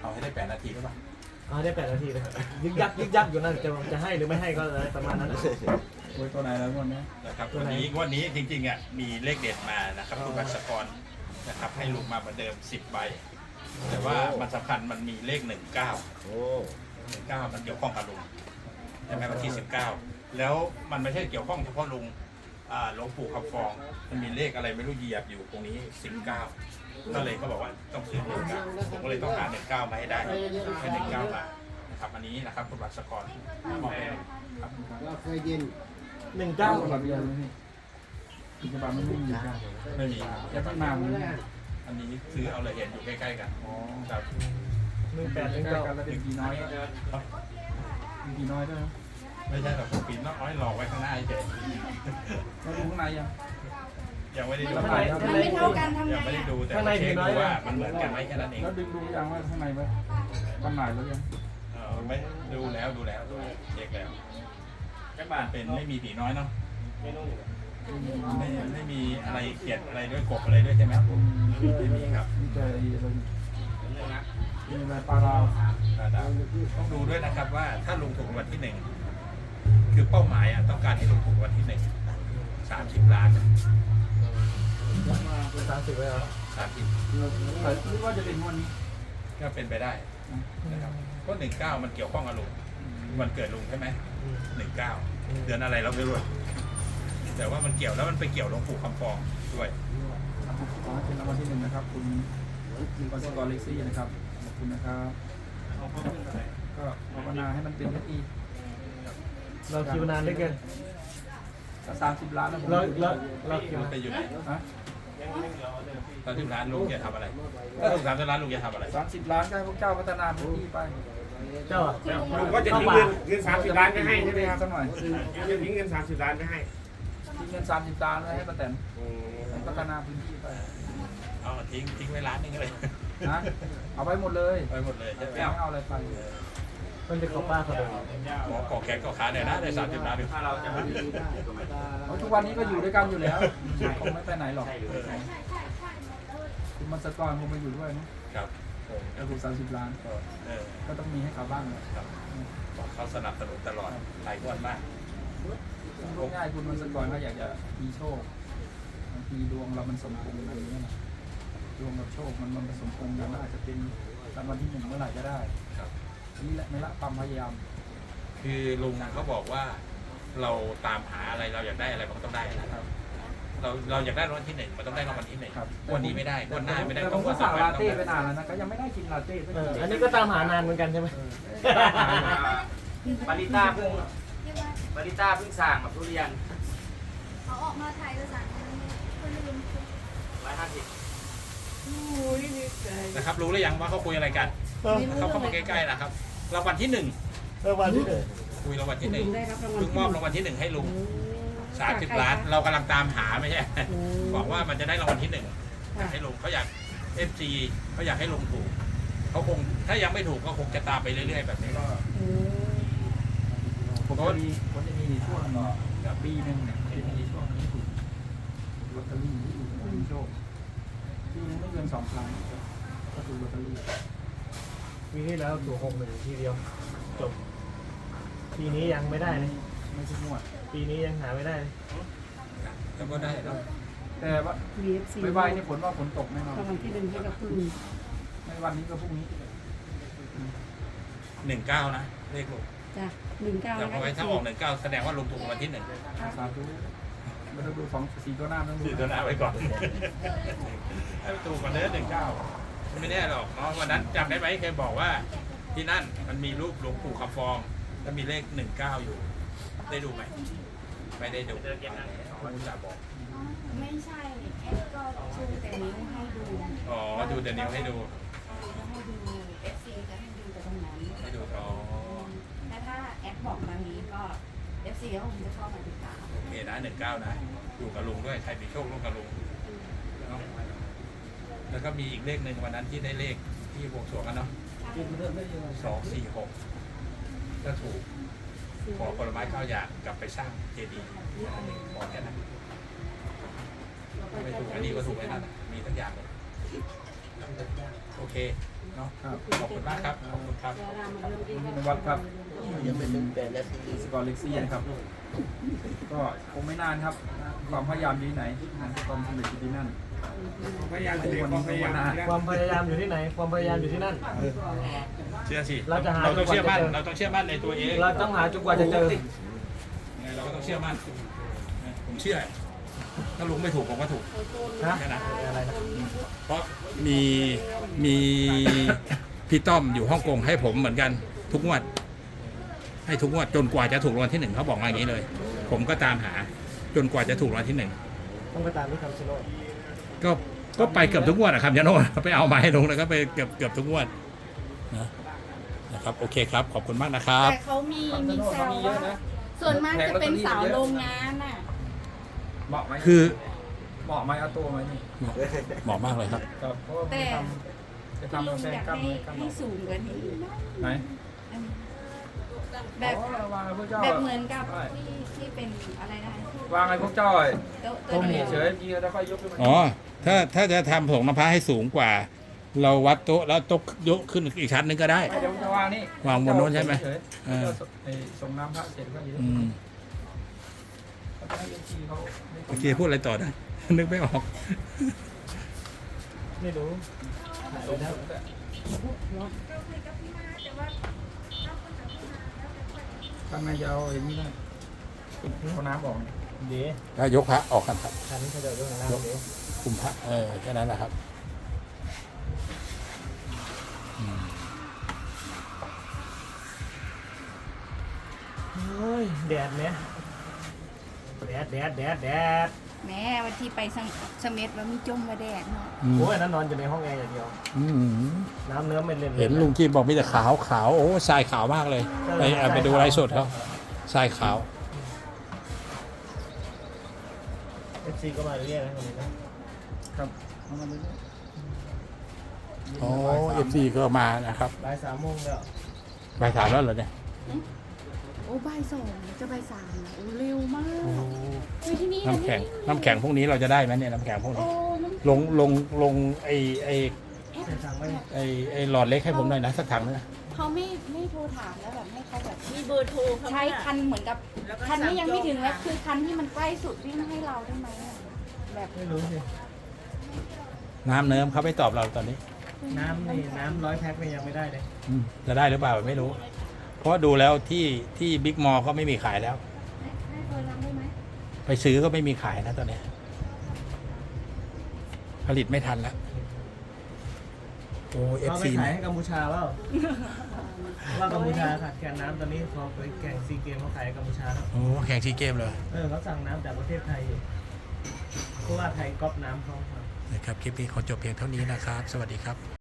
เอาให้ได้8 นาทีได้ป่ะได้8 นาทีเลยยึกยักอยู่นั่นจะให้หรือไม่ให้ก็เลยประมาณนั้นโอ้ยตัวไหนแล้ววันนี้นะครับวันนี้จริงๆอ่ะมีเลขเด็ดมานะครับคุณวัชกรนะครับให้ลุงมาเหมือนเดิม10 ใบแต่ว่ามันสำคัญมันมีเลข19 โอ้ 19มันเกี่ยวข้องกับลุงใช่ไหมวันที่19แล้วมันไม่ใช่เกี่ยวข้องเฉพาะลุงหลวงปู่คำฟองมันมีเลขอะไรไม่รู้เหยียบอยู่ตรงนี้19ก็เลยเขาบอกว่าต้องซื้อ19ผมก็เลยต้องหา19มาให้ได้ให้19มานะครับอันนี้นะครับคุณวัชกรมอบให้ครับเราเคยยินฉบับเดียวเลยนี่อีกฉบับมันไม่มีครับไม่มีแค่ตั้งนานมันอันนี้ซื้อเอาเลยเห็นอยู่ใกล้ๆกันอ๋อครับ 18 ใกล้ถึงกันแล้วเป็นกี่น้อยเป็นกี่น้อยด้วยไม่ใช่หรอกปีนน้อยหลอกไว้ข้างหน้าเฉยแล้วดูข้างในยังยังไม่ได้ดูข้างในมันไม่เท่ากันทำไงยังไม่ได้อ่ะดูแต่เช็คดูว่ามันเหมือนกันไหมแค่นั้นเองแล้วดูยังว่าข้างในว่าจำหน่ายแล้วยังไม่ดูแล้วเช็คแล้วแค่บ้านเป็นไม่มีผีน้อยเนาะไม่มีอะไรเขียนอะไรด้วยกบอะไรด้วยใช่ไหมไม่มีครับมีแต่อะไรมีอะไรปลาดาวต้องดูด้วยนะครับว่าถ้าลงถูกวันที่1คือเป้าหมายต้องการให้ลงถูกวันที่1 30 ล้าน 30ไว้เหรอ 30 แต่คิดว่าจะเป็นวันนี้ก็เป็นไปได้นะครับก็19มันเกี่ยวข้องกับลุงวันเกิดลุงใช่ไหม19เดือนอะไรเราไม่รู้แต่ว่ามันเกี่ยวแล้วมันไปเกี่ยวหลวงปู่คำฟองด้วยขอให้เป็นรางวัลที่1นะครับคุณวัชกรเล็กซี่นะครับขอบคุณนะครับก็ภาวนาให้มันเป็นสักทีเราคิวนานได้เกินก็30 ล้านนะผมเราคิวไปอยู่ไหนฮะ 30 ล้านลุงจะทำอะไรถ้าถูก30 ล้านลุงจะทำอะไร 30 ล้านก็ให้พวกเจ้าพัฒนาพื้นที่ไปเจ้าลุงก็จะทิ้งเงิน30 ล้านไปให้ใช่ไหมครับสักหน่อยจะทิ้งเงิน30 ล้านไปให้ทิ้งเงิน30 ล้านไว้ให้ป้าแตนให้พัฒนาพื้นที่ไปเอาทิ้งไว้ล้านนึงเลยนะเอาไปหมดเลยไปหมดเลยใช่ไหมไม่เอาอะไรไปมันจะขอป้าเขาเลยหมอกอแขนก็ขาเนี่ยนะได้30 ล้านด้วยถ้าเราจะไม่ได้เพราะทุกวันนี้ก็อยู่ด้วยกันอยู่แล้วคงไม่ไปไหนหรอกคุณมันสกรคงมาอยู่ด้วยนะครับ ก็ถูก30 ล้าน ก็ต้องมีให้เขาบ้างนะครับบอกเขาสนับสนุนตลอดหลายงวดมากพูดง่ายคุณมันสกรก็อยากจะมีโชคบางทีดวงเรามันสมพงษ์อะไรอย่างเงี้ยนะดวงกับโชคมันผสมพงษ์กันอาจจะเป็นรางวัลที่1เมื่อไหร่ก็ได้ครับนี่แหละไม่ละความพยายามคือลุงเขาบอกว่าเราตามหาอะไรเราอยากได้อะไรมันก็ต้องได้นะครับเราอยากได้รางวัลที่1มันต้องได้รางวัลที่1วันนี้ไม่ได้วันหน้าไม่ได้แต่ผมก็สั่งลาเต้ไปนานแล้วนะก็ยังไม่ได้กินลาเต้สักทีอันนี้ก็ตามหานานเหมือนกันใช่ไหมปาริต้าเพิ่งสั่งกับทุเรียนเขาออกมาถ่ายเอกสารคนลืม 150 นะครับรู้หรือยังว่าเขาคุยอะไรกันเขาเข้ามาใกล้ๆนะครับรางวัลที่1 วันที่คุยรางวัลที่1เพิ่งมอบรางวัลที่1ให้ลุง30 ล้านเรากำลังตามหาไม่ใช่บอกว่ามันจะได้รางวัลที่1อยากให้ลุงเขาอยาก FC เขาอยากให้ลุงถูกเขาคงถ้ายังไม่ถูกก็คงจะตามไปเรื่อยๆแบบนี้ก็ผมจะมีช่วงปีหนึ่งเนี่ยจะมีช่วงนี้ถูกลอตเตอรี่ที่ถูกมีโชคปีนึงไม่เกิน2 ครั้งก็ถูกลอตเตอรี่ปีที่แล้วถูก61ทีเดียวจบปีนี้ยังไม่ได้เลยไม่ใช่งวดปีนี้ยังหาไม่ได้เลยแล้วก็ได้แล้วแต่ว่า VFC ไม่ไหวนี่ฝนว่าฝนตกแน่นอนรางวัลที่1ให้กับพึ่งไม่วันนี้ก็พรุ่งนี้ 19นะเลขลุงจ้ะ19 แต่นะพอคะไว้ถ้าออก19แสดงว่าลุงถูกรางวัลที่สาธุไม่ต้องดู4 ตัวหน้าต้อง 1 ดู 4 ตัวหน้าไว้ก่อนให้ถูกกว่าเดิม19ไม่แน่หรอกเนาะวันนั้นจำได้ไหมเคยบอกว่าที่นั่นมันมีรูปหลวงปู่คำฟองแล้วมีเลข19อยู่ได้ดูไหมไม่ได้ดูเขาจะบอกไม่ใช่แอดก็ชูแต่นิ้วให้ดูอ๋อดูแต่นิ้วให้ดูให้ดู FC จะให้ดูแต่ตรงนั้นให้ดูอ๋อแต่ถ้าแอดบอกมานี้ก็ FC ก็คงจะเข้ามาติดตามโอเคนะ19นะอยู่กับลุงด้วยใครมีโชคร่วมกับลุงเนาะแล้วก็มีอีกเลขหนึ่งวันนั้นที่ได้เลขที่บวงสรวงกันเนาะ246ก็ถูกขอผลไม้9 อย่างกลับไปสร้างเจดีย์ขอแค่นั้นไม่ถูกอันนี้ก็ถูกไอ้นั่นมีทั้งอย่างเลยโอเคเนาะครับขอบคุณมากครับขอบคุณครับในวัดครับยังไม่ถึง8 นาทีสกอร์เล็กซี่นะครับ ก็คงไม่นานครับ ความพยายามอยู่ที่ไหนงานความสำเร็จอยู่ที่นั่นพยายามจะเด็กความพยายามความพยายามอยู่ที่ไหน ความพยายามอยู่ที่นั่นเชื่อสิเราจะหาเราต้องเชื่อมั่นจนกว่าจะเจอเราต้องเชื่อมั่นในตัวเองเราต้องหาจนกว่าจะเจอไงเราก็ต้องเชื่อมั่นผมเชื่อถ้าลุงไม่ถูกผมก็ถูกนะแค่นั้นอะไรนะเพราะมีพี่ต้อมอยู่ฮ่องกงให้ผมเหมือนกันทุกงวด ให้ทุกงวดจนกว่าจะถูกรางวัลที่ 1เขาบอกมาอย่างนี้เลย ผมก็ตามหาจนกว่าจะถูกรางวัลที่ต้องไปตามที่คำชะโนด 1ก็ไปเกือบทุกงวดนะครับยาโน่ไปเอามาให้ลุงแล้วก็ไปเกือบทุกงวดนะครับโอเคครับขอบคุณมากนะครับแต่เขามีแซวว่าส่วนมากจะเป็นสาวโรงงานน่ะเหมาะไหมคือเหมาะไหมเอาตัวไหมนี่เหมาะมากเลยครับครับเพราะว่าแต่จะคุณทำลุกาง แฟอยากกล้ามให้เนื้อกล้ามให้สูงกว่านี้ไหนแบบอ๋อวางไอ้พวกเจ้าแบบเหมือนกับที่เป็นอะไรนะวางไอ้พวกเจ้าโต๊ะต้มเดียวเฉยๆยีแล้วค่อยยกขึ้นมาอ๋อถ้าจะทำผงน้ำพร้าวให้สูงกว่า เราวัดโต๊ะแล้วโต๊ะยกขึ้นอีกชั้นหนึงก็ได้เดี๋ยวจะวางนี่วางบนโน้นใช่ไหมเฉยๆเออส่งน้ำพระเสร็จก็ยืนอืมเขาจะให้เอฟซีเขาโอเคพูดอะไรต่อได้ นึกไม่ออกไม่รู้ส่งแล้วทำไงจะเอาอย่างนี้ได้เอาน้ำออกเดี๋ยวถ้ายกพระออกกันครับคันนี้เขาจะยกของเราเดี๋ยวคุมพระแค่นั้นแหละครับอืมเฮ้ยแดดเนี่ยแดดแม่วันที่ไปเสม็ดว่ามีจมมาแดดเนาะโอ้ยนั้นนอนอยู่ในห้องแอร์อย่างเดียวอืมน้ำเนื้อไม่เล่นเห็นลุงจีมบอกมีแต่ขาวโอ้ทรายขาวมากเลย ไปดูไลฟ์สดเขาทรายขาว FC ก็มาเรื่อยๆนะคนนี้นะครับเอามาเลยโอ้เอฟซีก็มานะครับบ่าย3 โมงแล้วบ่ายสามแล้วเหรอเนี่ยโอ้บ่าย2จะบ่าย3แล้วโอ้เร็วมากอยู่ที่นี่น้ำแข็งพวกนี้เราจะได้ไหมเนี่ยน้ำแข็งพวกโอ้นี้น้ำลงไอใส่ถังไว้หลอดเล็กให้ผมหน่อยนะสักถังนะเขาไม่โทรถามแล้วแบบให้เขาแบบมีเบอร์โทรเขาใช้เนี่ยคันเหมือนกับแล้วก็คันนี้ยังไม่ถึงสั่แล้วจอคือคันที่มันใกล้สุดวิ่งให้เราได้ไหมอะแบบไม่รู้สิน้ำเนิ้มเขาไม่ตอบเราตอนนี้น้ำ100 แพ็คนี่ยังไม่ได้เลยจะได้หรือเปล่าไม่รู้ เพราะดูแล้วที่บิ๊กมอลก็ไม่มีขายแล้วให้เบอร์เราได้ไหมไปซื้อก็ไม่มีขายนะตอนนี้ ผลิตไม่ทันแล้วโอ้เอฟเอาไปซีขายให้กัมพูชาเปล่าว่ากัมพูชาขาดแคลนน้ำตอนนี้พอไปแข่งซีเกมเขาขายให้กัมพูชาแล้วโอ้แข่งซีเกมเลยเขาสั่งน้ำจากประเทศไทยอยู่เพราะว่าไทยก๊อปน้ำเขานะครับคลิปนี้ขอจบเพียงเท่านี้นะครับ สวัสดีครับ